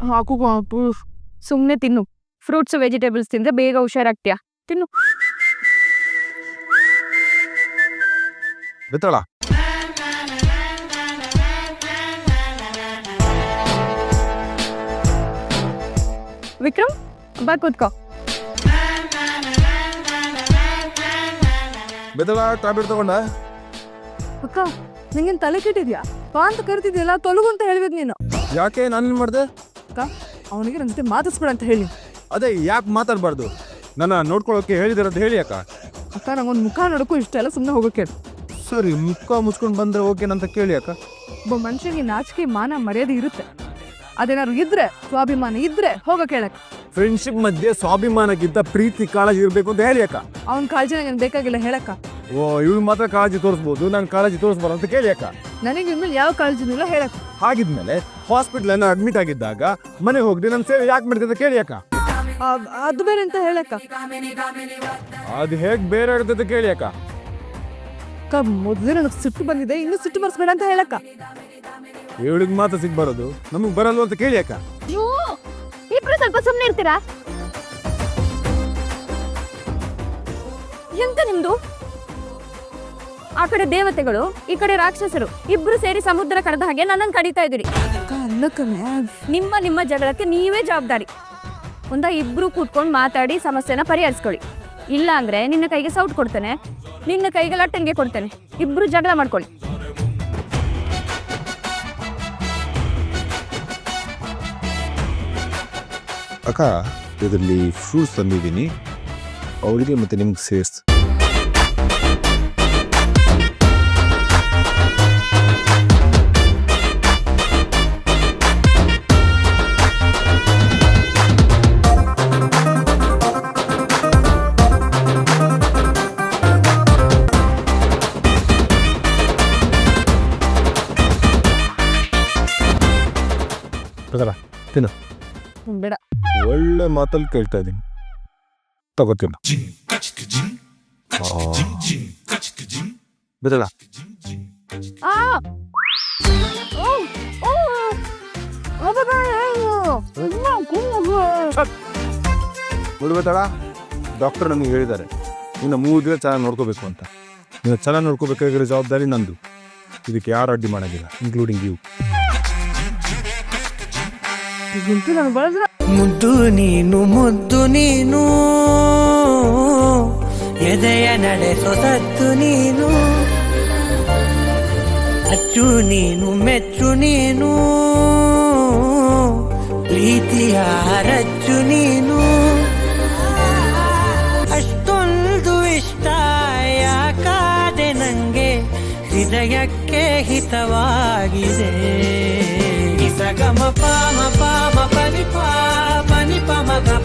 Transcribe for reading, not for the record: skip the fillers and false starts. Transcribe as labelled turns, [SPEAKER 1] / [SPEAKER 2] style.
[SPEAKER 1] ಹಾಕು ಪಾಪು. ಸುಮ್ಮನೆ ತಿನ್ನು. ಫ್ರೂಟ್ಸ್ ವೆಜಿಟೇಬಲ್ಸ್ ತಿಂದ್ರೆ ಬೇಗ ಹುಷಾರಾಗ್ತೀಯ. ತಿನ್ನು.
[SPEAKER 2] ಬಿತ್ತಳ
[SPEAKER 1] ವಿಕ್ರಮ್ ಬಾ ಕೂತ್ಕೋ.
[SPEAKER 2] ಬಿತ್ತಳ ಟ್ಯಾಬ್ಲೆಟ್ ತಗೊಂಡ.
[SPEAKER 3] ಅಕ್ಕ ನಿಂಗೇನು ತಲೆ ಕೆಟ್ಟಿದ್ಯಾ? ಬಾ ಅಂತ ಕರಿತಿದ್ಯಲ್ಲ, ತೊಲಗು ಅಂತ ಹೇಳ್ಬೇಕು ನೀನು.
[SPEAKER 2] ಯಾಕೆ ನಾನೇನು ಮಾಡಿದೆ?
[SPEAKER 3] ಅಕ್ಕ ಅವನಿಗೆ ನನ್ನ ಜೊತೆ ಮಾತಾಡ್ಸ್ಬೇಡ ಅಂತ ಹೇಳಿ.
[SPEAKER 2] ಅದೇ ಯಾಕೆ ಮಾತಾಡಬಾರ್ದು? ನನ್ನ ನೋಡ್ಕೊಳ್ಳೋಕೆ ಹೇಳಿದಿರಂತ ಹೇಳಿ ಅಕ್ಕ.
[SPEAKER 3] ಅಕ್ಕ ನಂಗೊಂದು ಮುಖ ನೋಡೋಕ್ಕೂ ಇಷ್ಟ ಎಲ್ಲ, ಸುಮ್ಮನೆ ಹೋಗೋಕೆ.
[SPEAKER 2] ಸರಿ, ಮುಖ ಮುಚ್ಕೊಂಡು ಬಂದರೆ ಓಕೆನಂತ ಕೇಳಿ ಅಕ್ಕ.
[SPEAKER 3] ಒಬ್ಬ ಮನುಷ್ಯನಿಗೆ ನಾಚಿಕೆ ಮಾನ ಮರ್ಯಾದೆ ಇರುತ್ತೆ. ಅದೇನಾದ್ರು ಇದ್ರೆ, ಸ್ವಾಭಿಮಾನ ಇದ್ರೆ ಹೋಗೋ ಕೇಳಕ್ಕೆ.
[SPEAKER 2] ಫ್ರೆಂಡ್ಶಿಪ್ ಮಧ್ಯೆ ಸ್ವಾಭಿಮಾನಕ್ಕಿಂತ ಪ್ರೀತಿ ಕಾಳಜಿ ಇರಬೇಕು ಅಂತ ಹೇಳಿ ಅಕ್ಕ.
[SPEAKER 3] ಅವ್ನ ಕಾಳಜಿ ನನಗೆ ಬೇಕಾಗಿಲ್ಲ ಹೇಳಕ್ಕ.
[SPEAKER 2] ಓ, ಇವಳು ಮಾತ್ರ ಕಾಳಜಿ ತೋರಿಸ್ಬೋದು, ನಾನು ಕಾಳಜಿ ತೋರಿಸ್ಬಾರ ಅಂತ ಕೇಳಿ ಅಕ್ಕ.
[SPEAKER 3] ನನಗೆ ಇನ್ಮೇಲೆ ಯಾವ ಕಾಳಜಿನೂ ಇಲ್ಲ ಹೇಳಕ್ಕ.
[SPEAKER 2] ಹಾಗಿದ್ಮೇಲೆ ಹಾಸ್ಪಿಟ್ಲನ್ನು ಅಡ್ಮಿಟ್ ಆಗಿದ್ದಾಗ ಮನೆಗೆ ಹೋಗದೆ ನನ್ನ ಸೇವೆ ಯಾಕೆ ಮಾಡ್ತಿದ್ದೆ ಕೇಳಿ ಅಕ್ಕ.
[SPEAKER 3] ಅದು ಬೇರೆ ಅಂತ ಹೇಳಕ್ಕ.
[SPEAKER 2] ಅದು ಹೇಗೆ ಬೇರೆ ಇರ್ತದೆ ಕೇಳಿ ಅಕ್ಕ.
[SPEAKER 3] ಅಕ್ಕ ಮೊದಲೇ ನನಗೆ ಸಿಟ್ಟು ಬಂದಿದೆ, ಇನ್ನೂ ಸಿಟ್ಟು ಬರ್ಸ್ಬೇಡ ಅಂತ ಹೇಳಕ್ಕ.
[SPEAKER 2] ಇವಳಿಗೆ ಮಾತ್ರ ಸಿಗ್ ಬರೋದು, ನಮಗೆ ಬರಲ್ವ ಅಂತ ಕೇಳಿ ಅಕ್ಕ.
[SPEAKER 1] ಇಬ್ರು ಸ್ವಲ್ಪ ಸುಮ್ಮನೆ ಇರ್ತೀರಾ? ಎಂತ ನಿಮ್ದು? ಆ ಕಡೆ ದೇವತೆಗಳು, ಈ ಕಡೆ ರಾಕ್ಷಸರು, ಇಬ್ರು ಸೇರಿ ಸಮುದ್ರ ಕಡದ ಹಾಗೆ ನನ್ನನ್ನು ಕಡಿತಾ ಇದ್ದೀರಿ. ನಿಮ್ಮ ನಿಮ್ಮ ಜಗಳಕ್ಕೆ ನೀವೇ ಜವಾಬ್ದಾರಿ. ಇಬ್ರು ಕೂತ್ಕೊಂಡು ಮಾತಾಡಿ ಸಮಸ್ಯೆನ ಪರಿಹರಿಸ್ಕೊಳ್ಳಿ. ಇಲ್ಲ ಅಂದ್ರೆ ನಿನ್ನ ಕೈಗೆ ಸೌಟ್ ಕೊಡ್ತೇನೆ, ನಿನ್ನ ಕೈಗೆ ಲಟ್ಟಣಿಗೆ ಕೊಡ್ತೇನೆ. ಇಬ್ರು ಜಗಳ ಮಾಡ್ಕೊಳ್ಳಿ.
[SPEAKER 2] ಅಕ್ಕ, ಇದರಲ್ಲಿ ಫ್ರೂಟ್ಸ್ ತಂದಿದ್ದೀನಿ, ಅವಳಿಗೆ ಮತ್ತೆ ನಿಮ್ಗೆ ಸೇರ್ಸ್. ತಿನ್ನು.
[SPEAKER 3] ಬೇಡ.
[SPEAKER 2] ಒಳ್ಳೆ ಮಾತಲ್ಲಿ ಕೇಳ್ತಾ ಇದ್ದೀನಿ, ತಗೋತೀನಿ. ಬಿಡಲ್ಲ. ಬಿಡ್ಬೇಕಲ್ಲ, ಡಾಕ್ಟರ್ ನಮಗೆ ಹೇಳಿದ್ದಾರೆ ಇನ್ನು 3 ದಿನ ಚೆನ್ನಾಗಿ ನೋಡ್ಕೋಬೇಕು ಅಂತ. ನೀವು ಚೆನ್ನಾಗಿ ನೋಡ್ಕೋಬೇಕಾಗಿರೋ ಜವಾಬ್ದಾರಿ ನಂದು. ಇದಕ್ಕೆ ಯಾರು ಅಡ್ಡಿ ಮಾಡೋದಿಲ್ಲ, ಇನ್ಕ್ಲೂಡಿಂಗ್ ಯು.
[SPEAKER 4] ಮುದ್ದು ನೀನು ಮುದ್ದು ನೀನು, ಎದೆಯ ನಡೆಸೋ ಸತ್ತು ನೀನು, ಅಚ್ಚು ನೀನು ಮೆಚ್ಚು ನೀನು, ಪ್ರೀತಿಯ ರಚ್ಚು ನೀನು. ಅಷ್ಟೊಂದು ಇಷ್ಟ ಯಾಕಾದೆ ನಂಗೆ, ಹೃದಯಕ್ಕೆ ಹಿತವಾಗಿದೆ. ಸಗಮ ಪಾಮ ಪಾಮ ಪನಿ ಪಾ ಪನಿ ಪಮ ಗ